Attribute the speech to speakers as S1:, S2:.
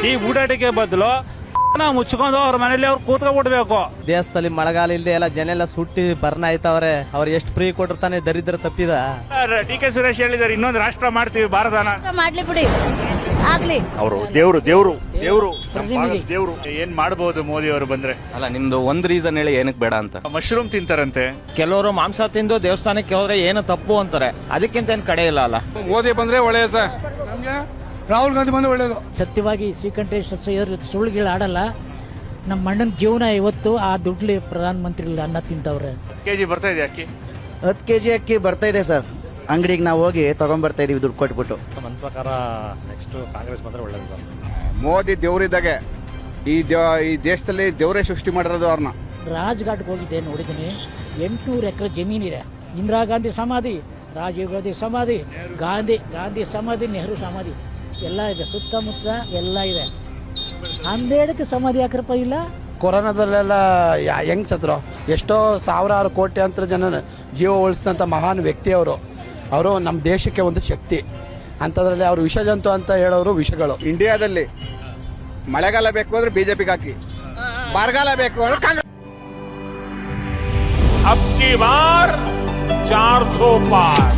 S1: ಈ ಊಟಾಟಿಕೆ ಬದಲು ಮುಚ್ಕೊಂಡು ಅವ್ರ ಮನೇಲಿ ಅವ್ರು ಕೂತ್ಕೊಂಡ್ಬಿಡ್ಬೇಕು.
S2: ದೇಶದಲ್ಲಿ ಮಳೆಗಾಲ ಇಲ್ಲದೆ ಎಲ್ಲ ಜನ ಎಲ್ಲ ಸುಟ್ಟಿ ಬರ್ನ ಆಯ್ತವ್ರೆ. ಅವ್ರು ಎಷ್ಟು ಫ್ರೀ ಕೊಟ್ಟಿರ್ತಾನೆ ದರಿದ್ರ ತಪ್ಪಿದ.
S1: ಡಿ.ಕೆ. ಸುರೇಶ್ ಹೇಳಿದಾರೆ ಇನ್ನೊಂದು ರಾಷ್ಟ್ರ ಮಾಡ್ತೀವಿ ಭಾರತನ.
S3: ಮಾಡ್ಲಿ ಬಿಡಿ, ಆಗ್ಲಿ.
S4: ಅವರು ದೇವ್ರು
S1: ಏನ್ ಮಾಡಬಹುದು ಮೋದಿ ಅವರು ಬಂದ್ರೆ?
S5: ಅಲ್ಲ, ನಿಮ್ದು ಒಂದ್ ರೀಸನ್ ಹೇಳಿ ಏನಕ್ಕೆ ಬೇಡ ಅಂತ.
S1: ಮಶ್ರೂಮ್ ತಿಂತಾರಂತೆ.
S6: ಕೆಲವರು ಮಾಂಸ ತಿಂದು ದೇವಸ್ಥಾನಕ್ಕೆ ಹೋದ್ರೆ ಏನು ತಪ್ಪು ಅಂತಾರೆ. ಅದಕ್ಕಿಂತ ಏನ್ ಕಡೆ ಇಲ್ಲ ಅಲ್ಲ.
S1: ಮೋದಿ ಬಂದ್ರೆ ಒಳ್ಳೆಯ ಸರ್.
S7: ನಮ್ಗೆ ರಾಹುಲ್ ಗಾಂಧಿ ಬಂದ್ರೆ ಒಳ್ಳೇದು.
S8: ಸತ್ಯವಾಗಿ ಶ್ರೀಕಂಠೇಶ್ ಸುಳ್ಳುಗಳು ಆಡಲ್ಲ. ನಮ್ಮ ಅಣ್ಣನ ಜೀವನ ಇವತ್ತು ಆ ದುಡ್ಲಿ ಪ್ರಧಾನ ಮಂತ್ರಿ ಅನ್ನ ತಿಂತವ್ರೆ.
S1: ಕೆಜಿ ಬರ್ತಾ ಇದೆ ಅಕ್ಕಿ.
S9: 10 kg ಅಕ್ಕಿ ಬರ್ತಾ ಇದೆ ಸರ್. ಅಂಗಡಿಗೆ ನಾವು ಹೋಗಿ ತಗೊಂಡ್ಬರ್ತಾ ಇದೀವಿ ದುಡ್ಡು ಕೊಟ್ಬಿಟ್ಟು.
S10: ನನ್ನ ಪ್ರಕಾರ ನೆಕ್ಸ್ಟ್ ಕಾಂಗ್ರೆಸ್ ಬಂದ್ರೆ ಒಳ್ಳೇದು ಸರ್.
S4: ಮೋದಿ ದೇವರಿದ್ದಾಗೆ ಈ ದೇಶದಲ್ಲಿ ದೇವರೇ ಸೃಷ್ಟಿ ಮಾಡಿರೋದು ಅವ್ರನ್ನ.
S8: ರಾಜ್ಘಾಟ್ಗೆ ಹೋಗಿದ್ದೆ, ನೋಡಿದ್ದೀನಿ. 800 ಎಕರೆ ಜಮೀನಿದೆ. ಇಂದಿರಾ ಗಾಂಧಿ ಸಮಾಧಿ, ರಾಜೀವ್ ಗಾಂಧಿ ಸಮಾಧಿ, ಗಾಂಧಿ ಸಮಾಧಿ, ನೆಹರು ಸಮಾಧಿ ಎಲ್ಲ ಇದೆ. ಸುತ್ತಮುತ್ತ ಎಲ್ಲ ಇದೆ. ಅಂಬೇಡ್ಕರ್ ಸಮಾಧಿ ಯಾಕ್ರಪ್ಪ ಇಲ್ಲ?
S7: ಕೊರೋನಾದಲ್ಲೆಲ್ಲ ಹೆಂಗ್ ಸತ್ರು? ಎಷ್ಟೋ ಸಾವಿರಾರು ಕೋಟ್ಯಾಂತರ ಜನ ಜೀವ ಉಳಿಸಿದಂಥ ಮಹಾನ್ ವ್ಯಕ್ತಿ ಅವರು ನಮ್ಮ ದೇಶಕ್ಕೆ ಒಂದು ಶಕ್ತಿ. ಅಂಥದ್ರಲ್ಲಿ ಅವರು ವಿಷಜಂತು ಅಂತ ಹೇಳೋರು ವಿಷಗಳು.
S4: ಇಂಡಿಯಾದಲ್ಲಿ ಮಳೆಗಾಲ ಬೇಕು ಅಂದ್ರೆ ಬಿಜೆಪಿಗೆ ಹಾಕಿ, ಬರಗಾಲ ಬೇಕು ಅಂದ್ರೆ ಕಾಂಗ್ರೆಸ್.
S1: ಅಬ್ ಕಿ ಬಾರ್ 400 ಪಾರ್.